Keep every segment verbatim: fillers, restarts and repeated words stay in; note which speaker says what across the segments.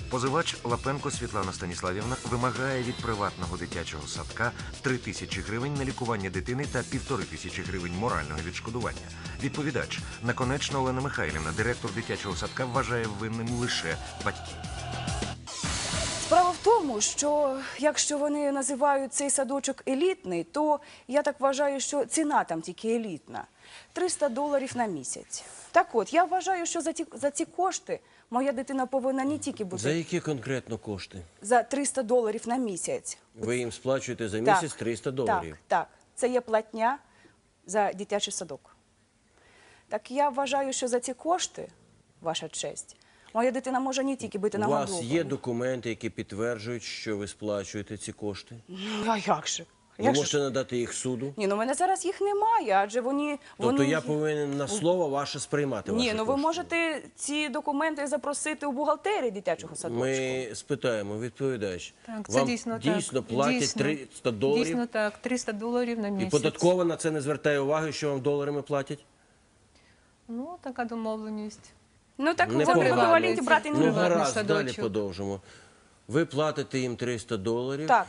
Speaker 1: Позивач Лапенко Світлана Станіславівна вимагає від приватного дитячого садка три тисячі гривень на лікування дитини та півтори тисячі гривень морального відшкодування. Відповідач Наконечна Олена Михайлівна, директор дитячого садка, вважає винним лише батьків.
Speaker 2: Справа в тому, що якщо вони називають цей садочок елітний, то я так вважаю, що ціна там тільки елітна. триста доларів на місяць. Так от, я вважаю, що за ці, за ці кошти моя дитина повинна не тільки бути...
Speaker 3: За які конкретно кошти?
Speaker 2: За триста доларів на місяць.
Speaker 3: Ви їм сплачуєте за місяць
Speaker 2: так,
Speaker 3: триста доларів?
Speaker 2: Так, так. Це є платня за дитячий садок. Так я вважаю, що за ці кошти, ваша честь, моя дитина може не тільки бути нагодована.
Speaker 3: У вас є документи, які підтверджують, що ви сплачуєте ці кошти?
Speaker 2: Ну, а як же?
Speaker 3: Ви
Speaker 2: Як
Speaker 3: можете
Speaker 2: же?
Speaker 3: надати їх суду?
Speaker 2: Ні, ну в мене зараз їх немає, адже вони...
Speaker 3: Тобто
Speaker 2: вони...
Speaker 3: я повинен на слово ваше сприймати ваші
Speaker 2: Ні, ну ви
Speaker 3: кошти?
Speaker 2: можете ці документи запросити у бухгалтерії дитячого садочку.
Speaker 3: Ми спитаємо, відповідач.
Speaker 4: Так, це
Speaker 3: Вам
Speaker 4: дійсно,
Speaker 3: дійсно
Speaker 4: так.
Speaker 3: платять
Speaker 4: Дійсно.
Speaker 3: триста доларів?
Speaker 4: Дійсно так, триста доларів на
Speaker 3: І
Speaker 4: місяць.
Speaker 3: податкова на це не звертає уваги, що вам доларами платять?
Speaker 4: Ну, така домовленість.
Speaker 2: Ну так
Speaker 3: Не
Speaker 2: вони в
Speaker 3: повинні.
Speaker 2: еквіваленті брати не
Speaker 3: Ну,
Speaker 2: будуть.
Speaker 3: гаразд,
Speaker 4: садочок.
Speaker 3: далі подовжимо. Ви платите їм триста доларів.
Speaker 2: Так,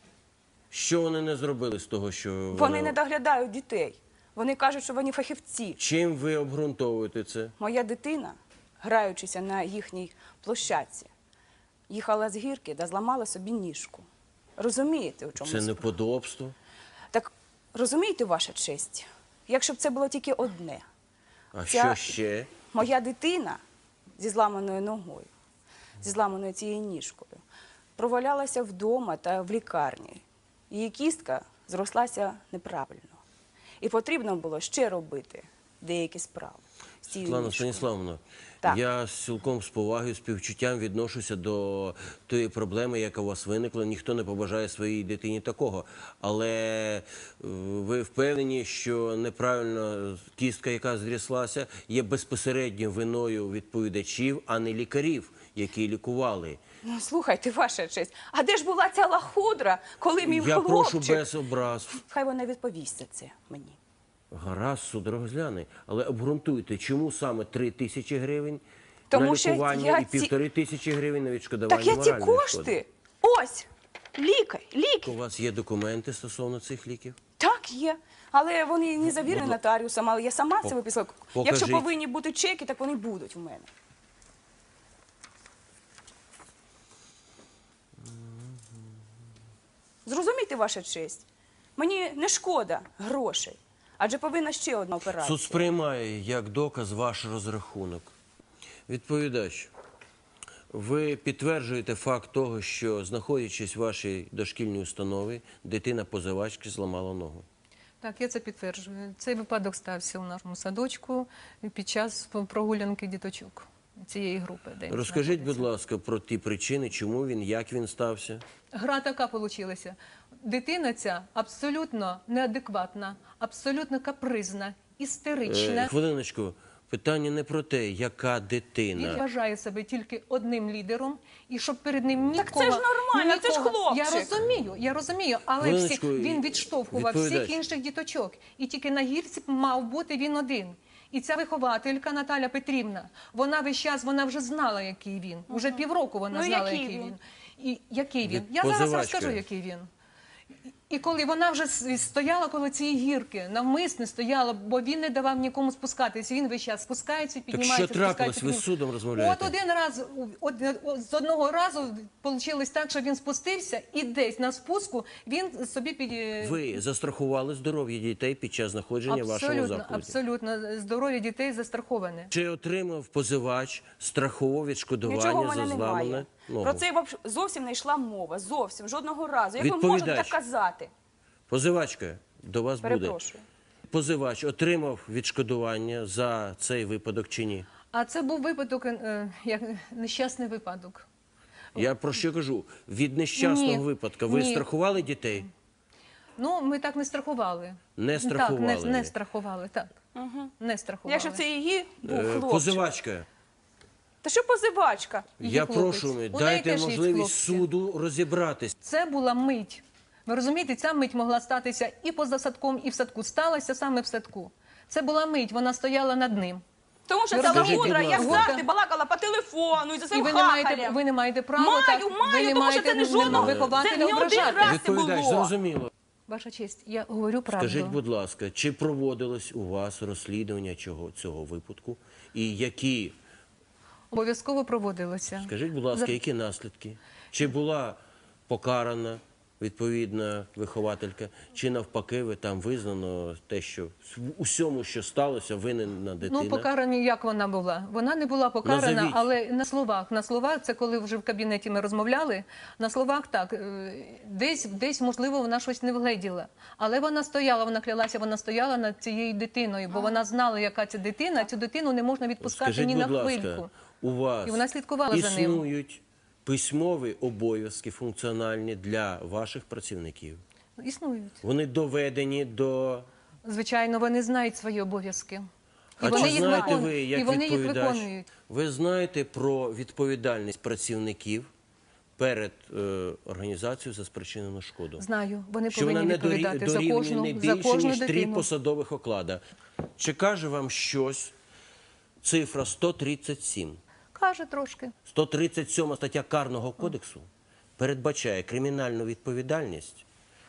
Speaker 3: Що вони не зробили з того, що
Speaker 2: вони не доглядають дітей. Вони кажуть, що вони фахівці.
Speaker 3: Чим ви обґрунтовуєте це?
Speaker 2: Моя дитина, граючися на їхній площадці, їхала з гірки та зламала собі ніжку. Розумієте, у чому
Speaker 3: Це
Speaker 2: справа?
Speaker 3: неподобство.
Speaker 2: Так, розумієте, ваша честь, якщо б це було тільки одне.
Speaker 3: А
Speaker 2: Ця-
Speaker 3: що ще?
Speaker 2: Моя дитина зі зламаною ногою, зі зламаною цією ніжкою, провалялася вдома та в лікарні. Її кістка зрослася неправильно. І потрібно було ще робити деякі справи з цією
Speaker 3: Світлана
Speaker 2: ніжкою.
Speaker 3: Станіславовна,
Speaker 2: Так.
Speaker 3: я цілком з повагою, співчуттям відношуся до тої проблеми, яка у вас виникла. Ніхто не побажає своїй дитині такого. Але е, ви впевнені, що неправильно кістка, яка зріслася, є безпосередньо виною відповідачів, а не лікарів, які лікували.
Speaker 2: Ну, слухайте, ваша честь, а де ж була ця лахудра, коли мій
Speaker 3: Я прошу
Speaker 2: хлопчик...
Speaker 3: без образ.
Speaker 2: Хай вона відповість за це мені.
Speaker 3: Гаразд, суд розгляне. Але обґрунтуйте, чому саме три тисячі гривень
Speaker 2: Тому
Speaker 3: на
Speaker 2: що
Speaker 3: лікування
Speaker 2: я
Speaker 3: і
Speaker 2: ці-
Speaker 3: півтори тисячі гривень на відшкодування
Speaker 2: Так я ці
Speaker 3: моральної шкоди?
Speaker 2: кошти, ось, лікар, ліки.
Speaker 3: У вас є документи стосовно цих ліків?
Speaker 2: Так, є. Але вони не завірені
Speaker 3: Будь-
Speaker 2: нотаріусом, але я сама це виписала. Якщо
Speaker 3: покажіть.
Speaker 2: повинні бути чеки, так вони будуть у мене. Зрозумійте, ваша честь, мені не шкода грошей, адже повинна ще одна операція.
Speaker 3: Суд сприймає як доказ ваш розрахунок. Відповідач, ви підтверджуєте факт того, що, знаходячись в вашій дошкільній установі, дитина позивачки зламала ногу?
Speaker 4: Так, я це підтверджую. Цей випадок стався у нашому садочку під час прогулянки діточок цієї групи. де він
Speaker 3: Розкажіть, будь
Speaker 4: знаходиться.
Speaker 3: ласка, про ті причини, чому він, як він стався?
Speaker 4: Гра така вийшла. Дитина ця абсолютно неадекватна, абсолютно капризна, істерична.
Speaker 3: Е, хвилиночку, питання не про те, яка
Speaker 4: Він
Speaker 3: дитина.
Speaker 4: вважає себе тільки одним лідером, і щоб перед ним нікого...
Speaker 2: Так це ж нормально, це ж
Speaker 4: нікого-
Speaker 2: хлопчик.
Speaker 4: Я розумію, я розумію, але всі,
Speaker 3: Хвилиночку,
Speaker 4: він відштовхував всіх
Speaker 3: відповідач.
Speaker 4: інших діточок. І тільки на гірці мав бути він один. І ця вихователька Наталя Петрівна, вона весь час, вона вже знала, який він. Уже півроку вона
Speaker 2: Ну,
Speaker 4: знала,
Speaker 2: який
Speaker 4: який
Speaker 2: він?
Speaker 4: він. І який він?
Speaker 3: Від-
Speaker 4: Я зараз
Speaker 3: позивачка.
Speaker 4: розкажу, який він. І коли вона вже с- стояла коло цієї гірки, навмисне стояла, бо він не давав нікому спускатися, він весь час спускається,
Speaker 3: Так
Speaker 4: піднімається,
Speaker 3: що трапилось?
Speaker 4: спускається.
Speaker 3: Ви з судом розмовляєте?
Speaker 4: От один раз, од- од- з одного разу вийшло так, що він спустився, і десь на спуску він собі під...
Speaker 3: Ви застрахували здоров'я дітей під час знаходження в вашому
Speaker 4: Абсолютно,
Speaker 3: закладі?
Speaker 4: абсолютно. Здоров'я дітей застраховане.
Speaker 3: Чи отримав позивач страхове відшкодування
Speaker 2: Нічого в
Speaker 3: за
Speaker 2: мене
Speaker 3: зламане
Speaker 2: немає.
Speaker 3: ногу?
Speaker 2: Про це вообще зовсім не йшла мова, зовсім, жодного разу. Як ви можете
Speaker 3: Відповідач.
Speaker 2: так казати?
Speaker 3: Позивачка, до вас буде.
Speaker 2: Перепрошую.
Speaker 3: Позивач отримав відшкодування за цей випадок чи ні?
Speaker 4: А це був випадок, е, як нещасний випадок.
Speaker 3: Я про що кажу? Від нещасного
Speaker 4: Ні.
Speaker 3: випадку ви
Speaker 4: Ні.
Speaker 3: страхували дітей?
Speaker 4: Ну, ми так не страхували.
Speaker 3: Не страхували
Speaker 4: Так, не, не
Speaker 3: ви.
Speaker 4: страхували, так.
Speaker 2: Угу.
Speaker 4: Не страхували.
Speaker 2: Якщо це її був
Speaker 3: Е,
Speaker 2: хлопчик.
Speaker 3: Позивачка,
Speaker 2: Та що позивачка?
Speaker 4: Її
Speaker 3: я
Speaker 4: хлопець.
Speaker 3: прошу,
Speaker 4: У неї
Speaker 3: дайте
Speaker 4: теж є
Speaker 3: можливість
Speaker 4: хлопці.
Speaker 3: суду розібратись.
Speaker 4: Це була мить. Ви розумієте, ця мить могла статися і поза садком, і в садку. Сталася саме в садку. Це була мить, вона стояла над ним.
Speaker 2: Тому що
Speaker 4: Ви
Speaker 2: ця
Speaker 4: розкажіть,
Speaker 2: лахудра,
Speaker 3: будь
Speaker 2: як
Speaker 3: ласка.
Speaker 2: завжди, балакала по телефону і за
Speaker 4: І
Speaker 2: своїм
Speaker 4: ви не маєте,
Speaker 2: хахалем.
Speaker 4: ви не маєте права
Speaker 2: Маю,
Speaker 4: так,
Speaker 2: маю,
Speaker 4: ви не
Speaker 2: тому що
Speaker 4: маєте
Speaker 2: це не жодного-
Speaker 4: вихователя
Speaker 2: це не один
Speaker 4: ображати.
Speaker 2: раз. це
Speaker 3: Відповідач,
Speaker 2: було.
Speaker 3: зрозуміло.
Speaker 4: Ваша честь, я говорю правду.
Speaker 3: Скажіть, будь ласка, чи проводилось у вас розслідування чого, цього випадку? І які,
Speaker 4: Обов'язково проводилося.
Speaker 3: скажіть, будь ласка,
Speaker 4: За-
Speaker 3: які наслідки? Чи була покарана відповідна вихователька, чи навпаки ви там визнано те, що в усьому, що сталося, винна дитина?
Speaker 4: Ну, покарана, як вона була? Вона не була покарана,
Speaker 3: Назовіть.
Speaker 4: але на словах. На словах, це коли вже в кабінеті ми розмовляли, на словах так, е, десь, десь, можливо, вона щось не вгледіла. Але вона стояла, вона клялася, вона стояла над цією дитиною, бо вона знала, яка це дитина, цю дитину не можна відпускати
Speaker 3: Скажіть,
Speaker 4: ні на
Speaker 3: будь ласка,
Speaker 4: хвильку.
Speaker 3: у вас
Speaker 4: І вона слідкувала за ним.
Speaker 3: існують письмові обов'язки функціональні для ваших працівників?
Speaker 4: Існують.
Speaker 3: Вони доведені до...
Speaker 4: Звичайно, вони знають свої обов'язки. І
Speaker 3: А
Speaker 4: вони
Speaker 3: чи
Speaker 4: їх
Speaker 3: знаєте
Speaker 4: виконують.
Speaker 3: ви, як
Speaker 4: І вони їх
Speaker 3: відповідач,
Speaker 4: виконують.
Speaker 3: ви знаєте про відповідальність працівників перед е, організацією за спричинену шкоду?
Speaker 4: Знаю, вони
Speaker 3: Що вона
Speaker 4: повинні
Speaker 3: не дорі-
Speaker 4: відповідати за
Speaker 3: дорівнює
Speaker 4: кожну,
Speaker 3: не
Speaker 4: за
Speaker 3: більше,
Speaker 4: кожну
Speaker 3: ніж три
Speaker 4: дитину.
Speaker 3: посадових оклада. Чи каже вам щось цифра сто тридцять сім?
Speaker 4: Каже трошки.
Speaker 3: сто тридцять сьома стаття Карного кодексу передбачає кримінальну відповідальність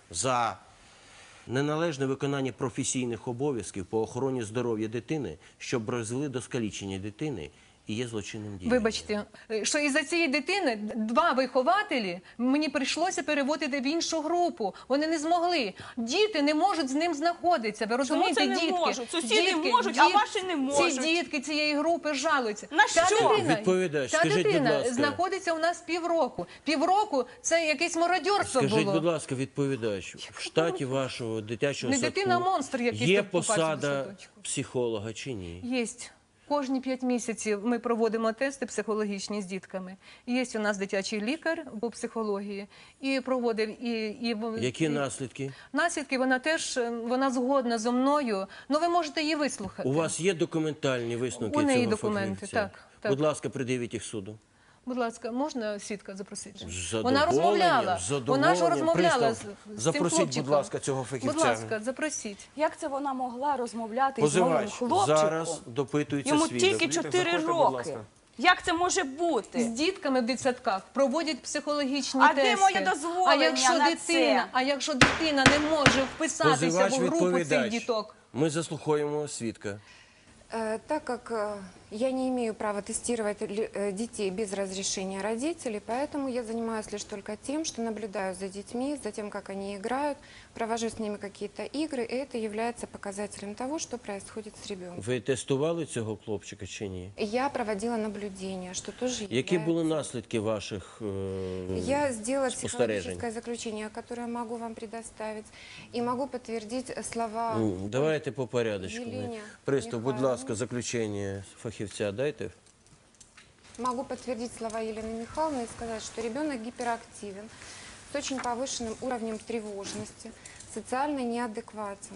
Speaker 3: за неналежне виконання професійних обов'язків по охороні здоров'я дитини, що призвели до скалічення дитини і є злочинним діянням.
Speaker 4: Вибачте, що із-за цієї дитини два вихователі мені прийшлося переводити в іншу групу. Вони не змогли. Діти не можуть з ним знаходитися. Ви розумієте,
Speaker 2: це не
Speaker 4: дітки?
Speaker 2: можуть? Сусіди можуть, а ваші не можуть.
Speaker 4: Ці дітки цієї групи жалуються.
Speaker 2: На
Speaker 4: Ця
Speaker 2: що?
Speaker 4: дитина,
Speaker 3: Відповідач,
Speaker 4: ця
Speaker 3: скажіть, будь
Speaker 4: дитина
Speaker 3: ласка.
Speaker 4: знаходиться у нас півроку. Півроку це якесь мародьорство
Speaker 3: Скажіть,
Speaker 4: було.
Speaker 3: будь ласка, відповідач, в штаті вашого дитячого
Speaker 4: Не
Speaker 3: садку
Speaker 4: дитина, а монстр якийсь
Speaker 3: є
Speaker 4: тут попався в
Speaker 3: посада
Speaker 4: садочку.
Speaker 3: психолога чи ні?
Speaker 4: Єсть. Кожні п'ять місяців ми проводимо тести психологічні з дітками. Є у нас дитячий лікар по психології і проводив і, і
Speaker 3: Які
Speaker 4: і,
Speaker 3: наслідки?
Speaker 4: наслідки. Вона теж е, вона згодна зо мною. Ну ви можете її вислухати.
Speaker 3: У вас є документальні висновки
Speaker 4: У неї
Speaker 3: цього
Speaker 4: документи,
Speaker 3: фахівця?
Speaker 4: так, так.
Speaker 3: Будь ласка, придивіть їх суду.
Speaker 4: Будь ласка, можна свідка запросити?
Speaker 3: З
Speaker 4: Вона
Speaker 3: задоволенням,
Speaker 4: розмовляла.
Speaker 3: з
Speaker 4: Вона ж
Speaker 3: задоволенням.
Speaker 4: розмовляла з,
Speaker 3: Пристав,
Speaker 4: з цим
Speaker 3: запросіть,
Speaker 4: хлопчиком.
Speaker 3: будь ласка, цього фахівця.
Speaker 4: Будь ласка, запросіть.
Speaker 2: Як це вона могла розмовляти з моїм
Speaker 3: Позивач
Speaker 2: хлопчиком?
Speaker 3: зараз допитується
Speaker 2: Йому
Speaker 3: свідок.
Speaker 2: тільки чотири
Speaker 5: заходьте, будь
Speaker 2: роки.
Speaker 5: ласка.
Speaker 2: Як це може
Speaker 4: З
Speaker 2: бути?
Speaker 4: дітками в дитсадках проводять психологічні
Speaker 2: А
Speaker 4: тести.
Speaker 2: де моє дозволення
Speaker 4: а якщо
Speaker 2: на
Speaker 4: дитина,
Speaker 2: це?
Speaker 4: а якщо дитина не може вписатися
Speaker 3: Позивач
Speaker 4: в групу цих
Speaker 3: відповідач.
Speaker 4: діток?
Speaker 3: Ми заслуховуємо свідка.
Speaker 6: Э, Так как э, я не имею права тестировать ли- э, детей без разрешения родителей, поэтому я занимаюсь лишь только тем, что наблюдаю за детьми, за тем, как они играют, провожу с ними какие-то игры, и это является показателем того, что происходит с ребенком.
Speaker 3: Ви тестували цього хлопчика чи ні?
Speaker 6: Я проводила наблюдение, что тоже
Speaker 3: Які
Speaker 6: является-
Speaker 3: були наслідки ваших е,
Speaker 6: Я сделала
Speaker 3: спостережень?
Speaker 6: психологическое заключение, которое могу вам предоставить, и могу подтвердить слова.
Speaker 3: Ну, давайте по порядочку.
Speaker 6: Єлені
Speaker 3: Пристав, будь
Speaker 6: Михайлівни.
Speaker 3: ласка, заключення фахівця дайте.
Speaker 6: Могу подтвердить слова Елены Михайловны и сказать, что ребенок гиперактивен, с очень повышенным уровнем тревожности, социально неадекватен.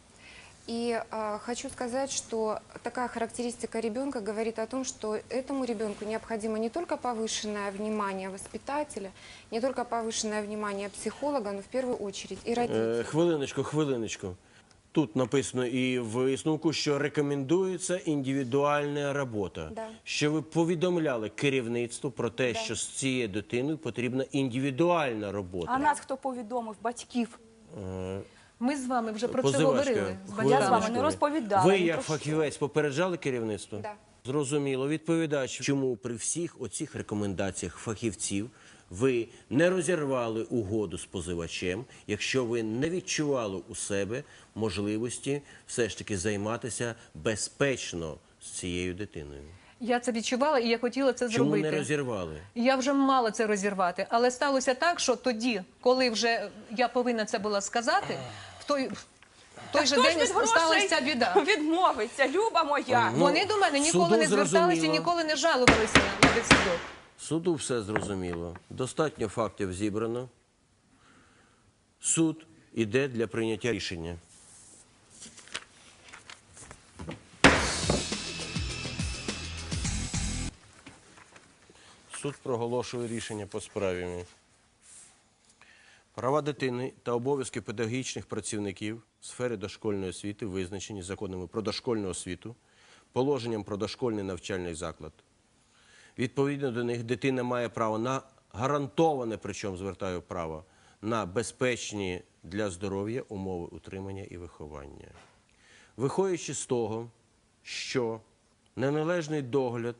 Speaker 6: И э, хочу сказать, что такая характеристика ребенка говорит о том, что этому ребенку необходимо не только повышенное внимание воспитателя, не только повышенное внимание психолога, но в первую очередь и родителей.
Speaker 3: Е, хвилиночку, хвилиночку. Тут написано і в висновку, що рекомендується індивідуальна робота.
Speaker 6: Да.
Speaker 3: Що ви повідомляли керівництву про те, що з цією дитиною потрібна індивідуальна робота.
Speaker 2: А нас хто повідомив? Батьків.
Speaker 3: Е,
Speaker 4: Ми з вами вже про це
Speaker 3: позивачка,
Speaker 4: говорили. з
Speaker 3: хвилиночку.
Speaker 2: Я з вами
Speaker 4: батьками.
Speaker 2: не розповідала.
Speaker 3: Ви
Speaker 2: ні
Speaker 3: як
Speaker 2: про що.
Speaker 3: фахівець попереджали керівництво?
Speaker 6: Да.
Speaker 3: Зрозуміло. Відповідач, чому при всіх оцих рекомендаціях фахівців ви не розірвали угоду з позивачем, якщо ви не відчували у себе можливості все ж таки займатися безпечно з цією дитиною?
Speaker 4: Я це відчувала і я хотіла це
Speaker 3: Чому
Speaker 4: зробити.
Speaker 3: не розірвали?
Speaker 4: Я вже мала це розірвати, але сталося так, що тоді, коли вже я повинна це була сказати, в той, в той же
Speaker 2: Хто ж
Speaker 4: день
Speaker 2: від грошей
Speaker 4: сталася біда.
Speaker 2: відмовиться, Люба моя?
Speaker 3: Ну,
Speaker 4: Вони до мене ніколи
Speaker 3: суду
Speaker 4: не зверталися,
Speaker 3: зрозуміло.
Speaker 4: ніколи не жалувалися на дитсадок.
Speaker 3: Суду все зрозуміло. Достатньо фактів зібрано. Суд іде для прийняття рішення. Суд проголошує рішення по справі. Права дитини та обов'язки педагогічних працівників в сфері дошкільної освіти, визначені законами про дошкільну освіту, положенням про дошкільний навчальний заклад. Відповідно до них дитина має право на гарантоване, причому звертаю право, на безпечні для здоров'я умови утримання і виховання. Виходячи з того, що неналежний догляд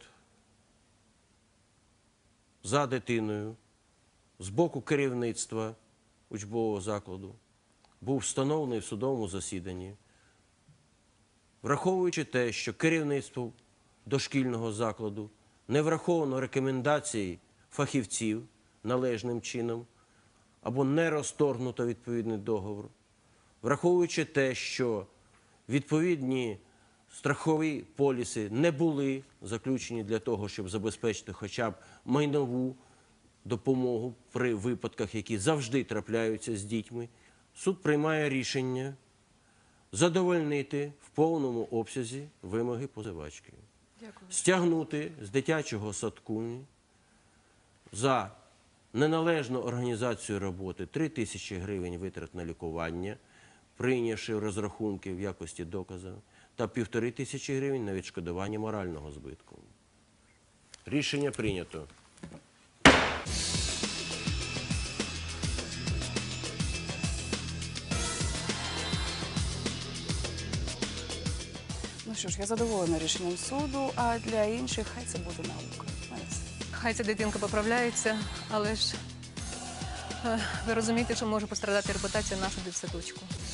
Speaker 3: за дитиною з боку керівництва учбового закладу був встановлений в судовому засіданні, враховуючи те, що керівництво дошкільного закладу не враховано рекомендацій фахівців належним чином або не розторгнуто відповідний договор, враховуючи те, що відповідні страхові поліси не були заключені для того, щоб забезпечити хоча б майнову допомогу при випадках, які завжди трапляються з дітьми, суд приймає рішення задовольнити в повному обсязі вимоги позивачки.
Speaker 2: Дякую.
Speaker 3: Стягнути з дитячого садку за неналежну організацію роботи три тисячі гривень витрат на лікування, прийнявши розрахунки в якості доказу, та півтори тисячі гривень на відшкодування морального збитку. Рішення прийнято.
Speaker 2: Ну що ж, я задоволена рішенням суду, а для інших хай це буде наука. У мене все.
Speaker 4: Хай ця дитинка поправляється, але ж е, ви розумієте, що може пострадати репутація нашого дитсадочку.